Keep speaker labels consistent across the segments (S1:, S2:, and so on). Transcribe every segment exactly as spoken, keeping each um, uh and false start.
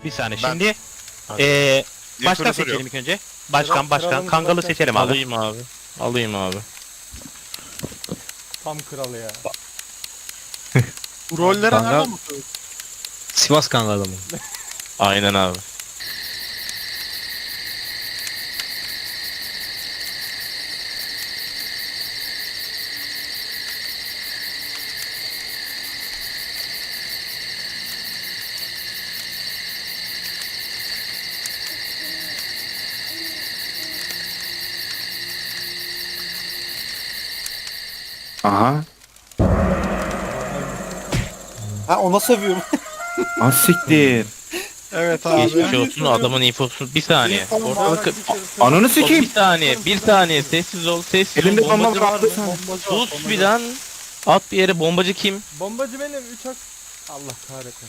S1: Bir saniye.
S2: Ben-
S1: Şimdi
S2: Hadi.
S1: eee
S2: Niye
S1: başkan
S2: soru
S1: seçelim
S2: soruyorum?
S1: ilk önce. Başkan,
S3: Kral-
S1: başkan.
S3: kralımız
S1: Kangalı
S3: başkan.
S1: seçelim abi.
S4: Alayım abi. Alayım abi.
S3: Tam kralı ya.
S5: Bu rollere
S6: Kanka-
S5: nereden bakıyorsun?
S6: Sivas Kangalı mı?
S4: Aynen abi.
S7: Aha.
S8: Ha ona seviyorum.
S7: Az siktir.
S5: Evet abi.
S4: Geçmiş olsun adamın infosunu. Bir saniye.
S5: İnfom var.
S4: Ortalık...
S7: Ananı
S4: O,
S7: sikeyim.
S4: bir saniye. Bir saniye. Sessiz ol. Sessiz
S7: Elimde
S4: ol.
S7: bomba
S4: Bombacı var.
S7: vardı.
S4: Sus bir lan. At bir yere. Bombacı kim?
S3: Bombacı benim. Üç hak. Allah kahretsin.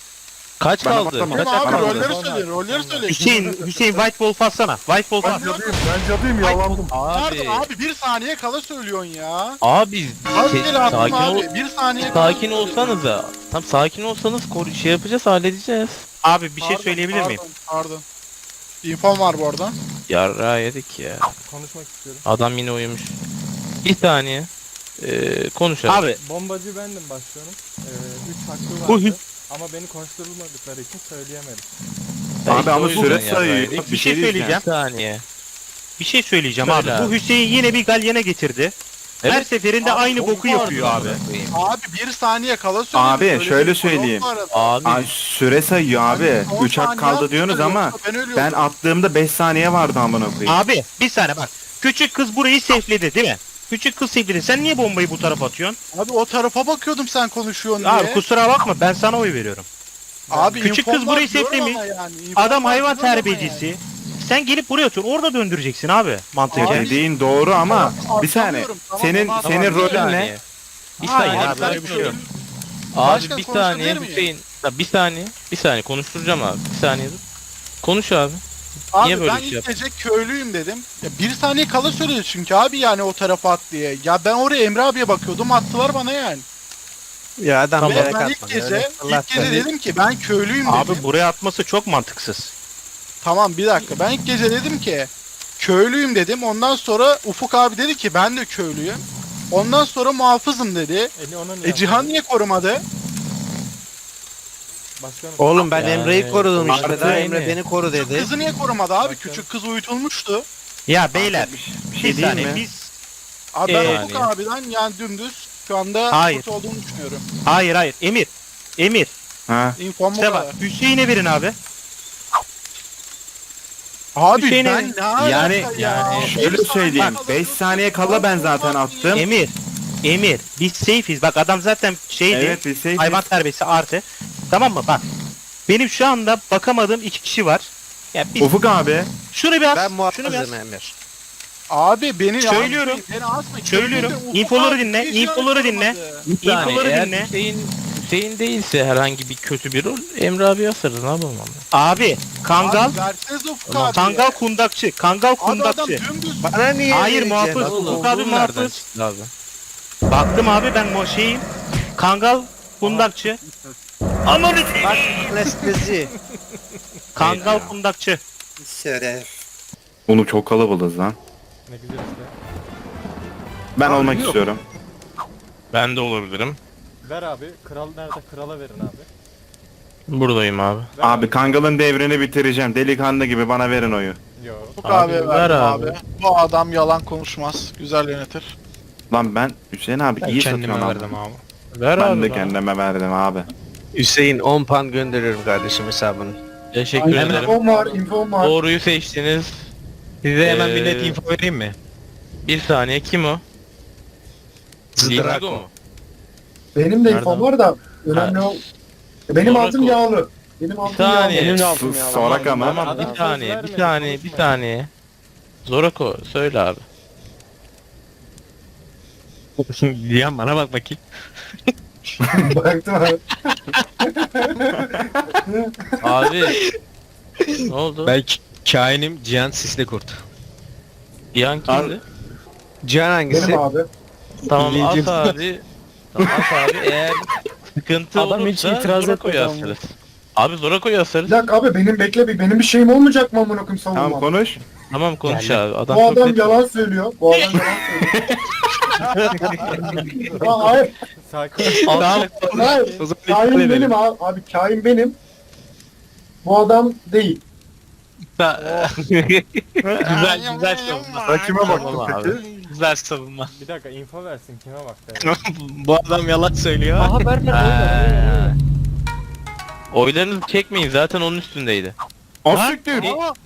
S4: Kaç
S7: Bana
S4: kaldı?
S7: baklama.
S4: Kaç
S5: Değil mi abi?
S7: Bana
S5: Rolleri
S3: bak.
S5: söyleyin, rolleri söyleyin.
S1: Hüseyin, Hüseyin White Wolf atsana. White Wolf
S5: Ben
S1: at.
S5: cadıyım,
S2: Ben cadıyım yalandım.
S5: Nerede
S4: Abi.
S5: abi? Bir saniye kala söylüyorsun ya.
S4: Abi.
S5: Az
S4: şey,
S5: geri attım
S4: sakin ol.
S5: abi. Bir saniye kala
S4: Sakin olsanız da. Tam sakin olsanız koru- şey yapacağız, halledeceğiz.
S1: Abi bir şey
S5: Pardon,
S1: söyleyebilir miyim?
S5: Pardon, pardon. İnfom var bu arada.
S4: Yarra yedik ya.
S3: Konuşmak istiyorum.
S4: Adam yine uyumuş. Bir saniye. Ee, konuşalım.
S1: Abi
S3: Bombacı bendim başkanım. Ee, üç hakkı
S1: Bu
S3: vardı.
S1: hü-
S3: Ama beni konuşturulmadıkları için söyleyemedim.
S4: Ya
S7: Abi
S4: işte
S7: ama
S4: o yüzden
S7: süre
S4: yarra
S7: sayıyor.
S4: yedik.
S1: Bir şey söyleyeceğim.
S4: Bir saniye.
S1: bir şey söyleyeceğim
S4: Söyle
S1: abi. Bu
S4: abi.
S1: Hüseyin yine bir galyana getirdi. Her
S4: Evet.
S1: seferinde
S5: Abi,
S1: aynı
S5: çok
S1: boku
S5: pardon.
S1: yapıyor abi.
S5: Abi bir saniye kala söyledim.
S7: Abi,
S5: Söylediğim
S7: şöyle
S5: konu
S7: söyleyeyim.
S5: bu arada.
S4: Abi
S7: Ay, süre sayıyor abi.
S5: Hani on
S7: üç hak
S5: saniye
S7: kaldı
S5: atmışlar,
S7: diyorsunuz ama
S5: yoksa ben ölüyordum.
S7: ben attığımda beş saniye vardı amına koyayım.
S1: Abi bir saniye bak. Küçük kız burayı safe'ledi değil mi? Küçük kız safe'ledi. Sen niye bombayı bu tarafa atıyorsun?
S5: Abi o tarafa bakıyordum sen konuşuyorsun diye.
S1: Abi kusura bakma ben sana oy veriyorum.
S5: Abi
S1: Küçük
S5: infom
S1: kız
S5: var
S1: burayı
S5: diyorum
S1: seflemiş.
S5: ama yani, infom
S1: Adam
S5: var
S1: hayvan
S5: diyorum ama
S1: terbiyecisi.
S5: yani.
S1: Sen gelip buraya otur. Orada döndüreceksin abi mantıken.
S5: Abi,
S7: Dediğin doğru ama
S5: Tamam,
S7: bir saniye.
S5: anlıyorum. Tamam,
S7: Senin
S5: onu
S7: senin
S5: anlıyorum.
S4: bir
S7: rolün ne?
S4: saniye. Bir
S1: Hayır
S4: saniye.
S1: abi,
S4: ben
S1: öyle bir şey yok.
S4: konuşuyorum. Abi
S5: Başkan
S4: bir
S5: konuşabilir
S4: saniye
S5: miyim?
S4: Hüseyin. Ya bir saniye. Bir saniye konuşturacağım abi. Bir saniye dur. Konuş abi.
S5: Abi
S4: Niye böyle
S5: ben
S4: bir şey
S5: ilk
S4: yaptın?
S5: gece köylüyüm dedim. Ya bir saniye kala söyledi çünkü abi yani o tarafa at diye. Ya ben oraya Emre abiye bakıyordum attılar bana yani.
S8: Ya adam
S5: Ve
S8: gerek
S5: ben ilk
S8: atmadı.
S5: gece,
S8: öyle
S5: ilk
S8: fırlat
S5: gece
S8: beni.
S5: dedim ki ben köylüyüm
S1: Abi
S5: dedim.
S1: buraya atması çok mantıksız.
S5: Tamam bir dakika ben ilk gece dedim ki köylüyüm dedim. Ondan sonra Ufuk abi dedi ki ben de köylüyüm. Ondan sonra muhafızım dedi.
S3: Eli ona niye
S5: E Cihan
S3: yapmadın?
S5: niye korumadı?
S3: Başkanım.
S8: Oğlum ben
S4: Yani,
S8: Emre'yi korudum işte.
S4: artı
S8: Daha
S4: aynı.
S8: Emre beni koru
S5: Küçük
S8: dedi.
S5: kızı niye korumadı abi?
S3: Bakın.
S5: Küçük kız uyutulmuştu.
S1: Ya beyler
S7: Bir, bir
S1: bir
S7: şey değil
S1: saniye
S7: mi?
S1: biz
S5: Abi ben
S1: Ee,
S5: Ufuk
S4: yani.
S5: abiden yani dümdüz şu anda
S1: Hayır.
S5: kötü olduğunu düşünüyorum.
S1: hayır hayır Emir. Emir.
S7: Ha.
S5: İnfom bu
S1: İşte
S5: kadar.
S1: bak Hüseyin'e verin abi.
S5: Abi
S1: Hüseyin'e-
S5: ben ne alaka
S7: Yani-
S5: ya?
S4: yani
S5: Bir
S7: Şöyle
S5: saniye
S7: söyleyeyim.
S5: kala
S7: beş
S5: dur,
S7: saniye kala ben zaten attım.
S1: Emir. Emir. Biz safe'iz. Bak adam zaten şeydi.
S7: Evet bir şey.
S1: Hayvan terbiyesi artı. Tamam mı? Bak. Benim şu anda bakamadığım iki kişi var. Ya biz
S7: Ufuk abi.
S1: şunu bir as.
S8: Ben
S1: şunu bir as.
S8: muhafızım Emir.
S5: Abi beni
S1: Söylüyorum.
S5: asmayın, beni asmayın.
S1: Söylüyorum.
S5: Köylüde Ufuk
S1: İnfoları
S5: abi
S1: dinle,
S5: hiç yani
S1: infoları dinle.
S5: korumadı.
S4: Bir saniye.
S1: İnfoları
S4: Eğer
S1: dinle.
S4: Hüseyin, Hüseyin değilse herhangi bir kötü bir rol Emre abi asarız ne yapalım abi.
S1: Abi. Kangal.
S5: Abi versenize Ufuk
S4: Tamam,
S5: abi.
S1: Kangal kundakçı. Kangal
S5: Abi adam
S1: kundakçı.
S5: dümdüz.
S8: Bana niye
S1: Hayır,
S8: vereceksin?
S1: muhafız.
S8: Oğlum,
S1: Ufuk abi
S4: Olduğun nereden
S1: muhafız.
S4: çıktı abi?
S1: Baktım abi ben o şeyim. Kangal kundakçı. Ananı
S8: Bak anestezi.
S1: Kangal
S4: Neydi ya?
S1: kundakçı.
S8: Şeref.
S7: Onu çok kalabalığız lan.
S3: Ne güzel işte.
S7: Ben
S5: Abi
S7: olmak
S5: yok.
S7: istiyorum.
S4: Ben de olabilirim.
S3: Ver abi. Kral nerede? Krala verin abi.
S4: Buradayım abi.
S3: Ver
S7: Abi Kangal'ın devrini bitireceğim. Delikanlı gibi bana verin oyu.
S3: Yo.
S5: Ufuk
S4: Abi,
S5: abi,
S4: ver
S5: verdim
S4: abi.
S5: abi. Bu adam yalan konuşmaz. Güzel yönetir.
S7: Lan ben Hüseyin abi iyi
S6: Kendime
S7: satıyorsun
S6: verdim
S7: abi.
S6: abi.
S4: Ver
S7: Ben
S4: abi.
S7: de
S4: bana.
S7: kendime verdim abi.
S8: Hüseyin on pound gönderiyorum kardeşim hesabını.
S4: Teşekkür ederim.
S2: İnfom var, infom var.
S4: Doğruyu seçtiniz.
S6: Size hemen bir
S4: Ee,
S6: net info vereyim mi?
S4: Bir saniye kim o? Ligido
S6: Zdrako.
S4: mu?
S2: Benim de
S4: Nereden?
S2: infom var da önemli o. Benim
S4: Sonra
S2: altım
S4: ko-
S2: yağlı. Benim
S4: Bir
S2: altım
S4: saniye.
S2: yağlı.
S7: S- Sorak ama.
S4: Tamam
S3: Adam
S4: bir
S3: söz
S4: saniye, bir
S3: vermedi,
S4: saniye, bir
S3: konuşmayın.
S4: saniye. Zorako söyle abi.
S6: Diyan bana bak bakayım.
S2: Baktım abi.
S4: Abi ne oldu?
S6: Ben k- kainim Cihan Sisli Kurt.
S4: Yan kimdi?
S8: Cihan hangisi?
S2: Benim abi.
S4: Tamam
S6: Bileceğim.
S4: at abi. Tamam at abi eğer sıkıntı
S3: Adam hiç
S4: olursa
S3: itiraz
S4: Zorako'yu
S3: etmedi ama.
S4: asarız. Abi Zorako'yu
S2: Bir
S4: asarız.
S2: dakika abi benim bekle bir benim bir şeyim olmayacak mı amına koyayım
S7: Tamam
S2: savunmam?
S7: konuş.
S4: Tamam konuş
S1: Geldi.
S4: abi. Adam
S2: Bu
S4: çok
S2: adam
S4: net-
S2: yalan söylüyor. Bu adam yalan söylüyor. Aa, hayır,
S3: Sakin.
S2: hayır.
S6: O zaman
S2: Kain
S6: iptal edelim.
S2: benim abi. Abi kain benim. Bu adam değil.
S6: güzel güzel savunma.
S5: Ben kime
S4: Tamam abi.
S6: Güzel savunma.
S3: Bir dakika info versin kime baktı?
S6: Bu adam yalan söylüyor.
S1: Aha ver ver
S4: Ha. Oylarınızı çekmeyin zaten onun üstündeydi.
S7: Asiktir.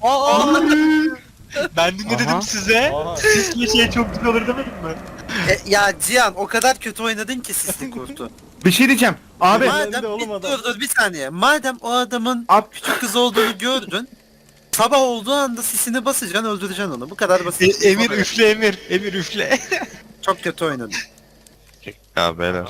S6: Ben de ne
S1: Aha.
S6: dedim size?
S3: Aha.
S6: Sisli şey çok güzel olur demedim mi?
S8: E, ya Cihan o kadar kötü oynadın ki sisli kurtu.
S7: Bir şey diyeceğim. Abi.
S3: Madem-
S8: Madem
S3: oğlum
S8: bir,
S3: adam.
S8: dur dur bir saniye. Madem o adamın
S7: Ab-
S8: küçük kız olduğunu gördün. Sabah olduğu anda sisini basacaksın öldüreceksin onu. Bu kadar basit.
S6: E, Emir üfle Emir. Emir üfle.
S8: Çok kötü oynadın.
S9: Ya beyler.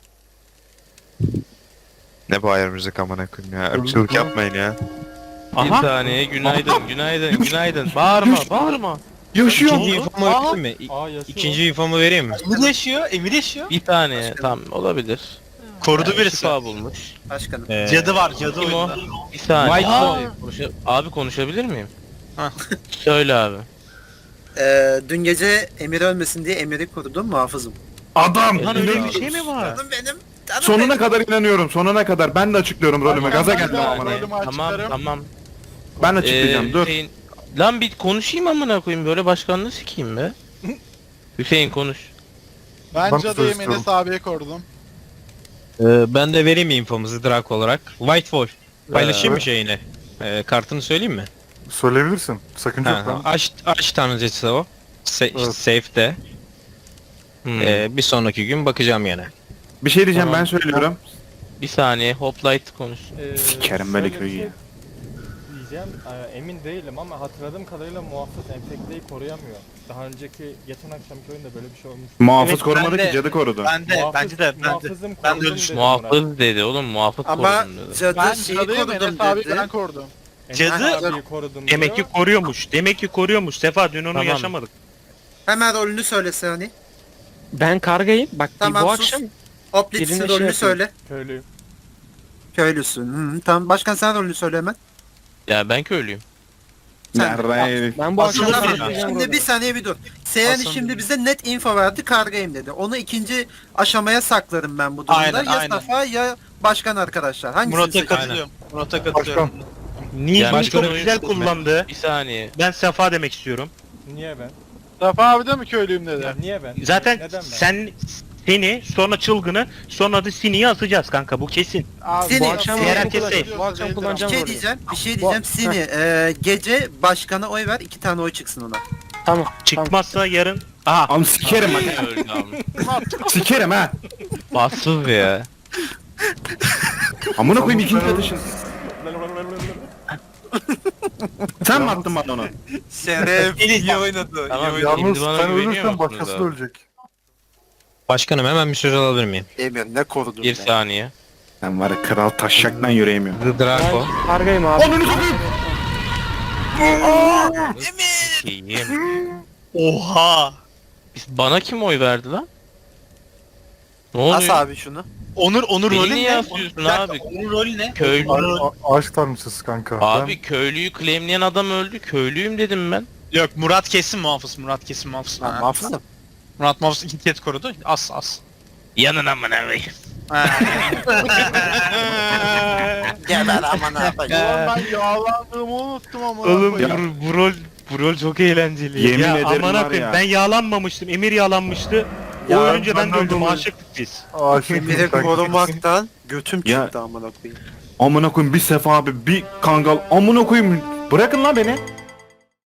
S9: Ne bu ayar müzik amına koyayım ya. Irkçılık yapmayın ya.
S4: Bir saniye günaydın günaydın günaydın. Bağırma bağırma.
S7: Yaşıyor.
S6: İkinci infomu vereyim mi?
S3: Aa yaşıyor.
S6: İkinci infomu vereyim mi? Emir yaşıyor. Emir yaşıyor.
S4: Bir saniye tamam olabilir.
S6: Korudu
S4: Yani
S6: birisi.
S4: şifa bulmuş.
S8: Başkanım.
S6: Cadı var cadı
S4: Kim o?
S6: oyunda.
S4: Bir saniye.
S6: White
S4: Aa,
S6: Boy.
S4: konuşa- abi konuşabilir miyim?
S6: Hah.
S4: Söyle abi.
S8: Ee, dün gece Emir ölmesin diye Emir'i korudum muhafızım.
S7: Adam.
S1: Lan öyle bir şey mi var?
S8: Canım benim. Canım
S7: Sonuna
S8: benim.
S7: kadar inanıyorum. Sonuna kadar. Ben de açıklıyorum rolümü. Gaza
S5: Ben
S7: geldim
S5: de
S7: amına.
S5: rolümü
S4: Tamam
S5: açıklarım.
S4: tamam.
S7: Ben açıklayacağım.
S4: Ee,
S7: Dur.
S4: Hüseyin- Lan bir konuşayım amına koyayım böyle başkanlığı sikeyim be. Hüseyin konuş.
S5: Ben
S7: Ben
S5: cadıyım
S7: sustum.
S5: Enes abiye korudum.
S6: Ee, ben de vereyim infomuzu Drak olarak. White Wolf. Paylaşayım mı şeyini? Ee, kartını söyleyeyim mi?
S10: Söyleyebilirsin. Sakınca
S6: Ha,
S10: yok
S6: ha.
S10: lan.
S6: Aç, aç tanrıcısı o. Se-
S10: Evet.
S6: Safe'de.
S4: Hmm.
S6: Ee, bir sonraki gün bakacağım yine.
S7: Bir şey diyeceğim
S4: Tamam.
S7: ben söylüyorum.
S4: Bir saniye Hoplite konuş.
S3: Ee,
S7: Sikerim böyle
S3: şöyle bir
S7: köyü
S3: şey
S7: ya.
S3: Diyeceğim ee, emin değilim ama hatırladığım kadarıyla muhafız enfekteyi koruyamıyor. Daha önceki geçen akşamki oyunda böyle bir şey olmuş.
S7: Muhafız
S6: Evet,
S7: korumadı
S6: ben
S7: ki
S6: de-
S7: cadı korudu.
S6: Ben de,
S3: Muhafız-
S6: bence de, ben de.
S3: muhafızım
S6: ben de
S3: korudum
S6: öyle
S3: dedi
S4: Muhafız dedi oğlum muhafız
S8: Ama
S4: korudum dedi.
S8: cadı
S5: Ben
S8: şeyi
S5: cadıyım
S8: korudum
S5: Enes abi
S8: dedi.
S5: ben korudum.
S3: Murat.
S6: Cadı-
S3: Enes abiyi korudum
S1: Demek ki
S3: diyor.
S1: koruyormuş. Demek ki koruyormuş. Sefa dün onu
S4: Tamam.
S1: yaşamadık.
S8: Hemen rolünü söylese hani.
S6: Ben kargayım. Bak
S8: Tamam,
S6: bu
S8: sus.
S6: akşam
S8: Hoplit'sin
S6: Birine
S8: rolünü
S6: şey yapayım.
S8: söyle.
S3: Köylüyüm.
S8: Köylüsün. Hı, tamam başkan sen rolünü söyle hemen.
S4: Ya ben köylüyüm.
S8: Sen-
S7: Nerede?
S6: ben bu akşam
S8: Şimdi,
S6: kargayım.
S8: şimdi bir saniye bir dur. Seyhan
S6: Aslan
S8: şimdi
S6: dedi.
S8: bize net info verdi kargayım dedi. Onu ikinci aşamaya saklarım ben bu durumda.
S6: Aynen,
S8: ya
S6: aynen.
S8: Safa ya başkan arkadaşlar. Hangisini
S6: Murat'a
S8: seçeceksin?
S6: katılıyorum. Murat'a katılıyorum.
S1: Nilgün
S4: başka
S1: çok
S4: oyun
S1: güzel
S4: seçme.
S1: kullandı.
S4: Bir saniye.
S1: Ben Sefa demek istiyorum.
S3: Niye ben?
S5: Safa abi de mi köylüyüm dedi.
S3: Ya niye ben?
S1: Zaten
S3: Neden ben?
S1: sen seni sonra çılgını sonra da Sini'yi asacağız kanka bu kesin.
S5: Abi,
S8: Seni-
S5: bu akşam
S1: Diğer
S5: rolümü
S1: herkes
S5: kullanacağım.
S1: safe.
S6: Bu akşam
S8: Bir
S6: kullanacağım
S8: şey
S6: rolü.
S8: diyeceğim, bir şey diyeceğim. Sini e, gece başkana oy ver, iki tane oy çıksın ona.
S6: Tamam.
S1: Çıkmazsa yarın. Aha.
S7: Am sikerim bak.
S4: Öldü ama.
S7: Sikerim ha.
S4: Bassız ya.
S7: Amına koyayım ikinci atışın. Sen mi attın bana onu?
S8: Şeref.
S6: İyi oynadı.
S4: Tamam
S10: Yalnız
S4: şimdi bana
S10: sen
S4: güveniyor
S10: ölürsen
S4: musunuz
S10: başkası
S4: abi?
S10: ölecek.
S6: Başkanım hemen bir söz alabilir miyim?
S8: Emir ne korudun
S4: Bir
S8: be.
S4: saniye.
S7: Sen var ya kral taşşaktan yüreğim
S6: The Draco.
S1: Kargayım abi.
S7: Ananı satayım.
S4: İyiyim.
S6: Oha.
S4: Biz- Bana kim oy verdi lan? Ne oluyor?
S8: As abi şunu.
S6: Onur Onur
S4: Beni
S6: rolü
S4: niye
S6: ne?
S4: asıyorsun
S6: Bir dakika,
S4: abi?
S6: Onur rolü ne?
S4: Köylü.
S10: A- a- Ağaç tanrıçısı kanka.
S4: Abi köylüyü claimleyen adam öldü. Köylüyüm dedim ben.
S6: Yok Murat kesin muhafız. Murat kesin muhafız.
S8: Ben
S6: Ha.
S8: muhafızım.
S6: Murat muhafız iki kez korudu. As as.
S4: Yanın amına koyayım.
S8: Geber aman abi.
S5: Ulan ben yağlandığımı unuttum ama.
S1: Oğlum bu, bu rol bu rol çok eğlenceli.
S7: Yemin
S1: ya
S7: ederim
S1: amına
S7: var
S1: koyayım
S7: ya.
S1: ben yağlanmamıştım. Emir yağlanmıştı. O
S2: Ya,
S1: ölünce ben de
S10: benden
S1: öldüm.
S10: dolayı.
S1: Aşıktık biz.
S10: Aşık
S8: Emir'i
S10: kanka.
S8: korumaktan götüm
S7: Ya.
S8: çıktı amına koyayım.
S7: Amına koyayım bir sefa abi bir kangal. Amına koyayım. Bırakın lan beni.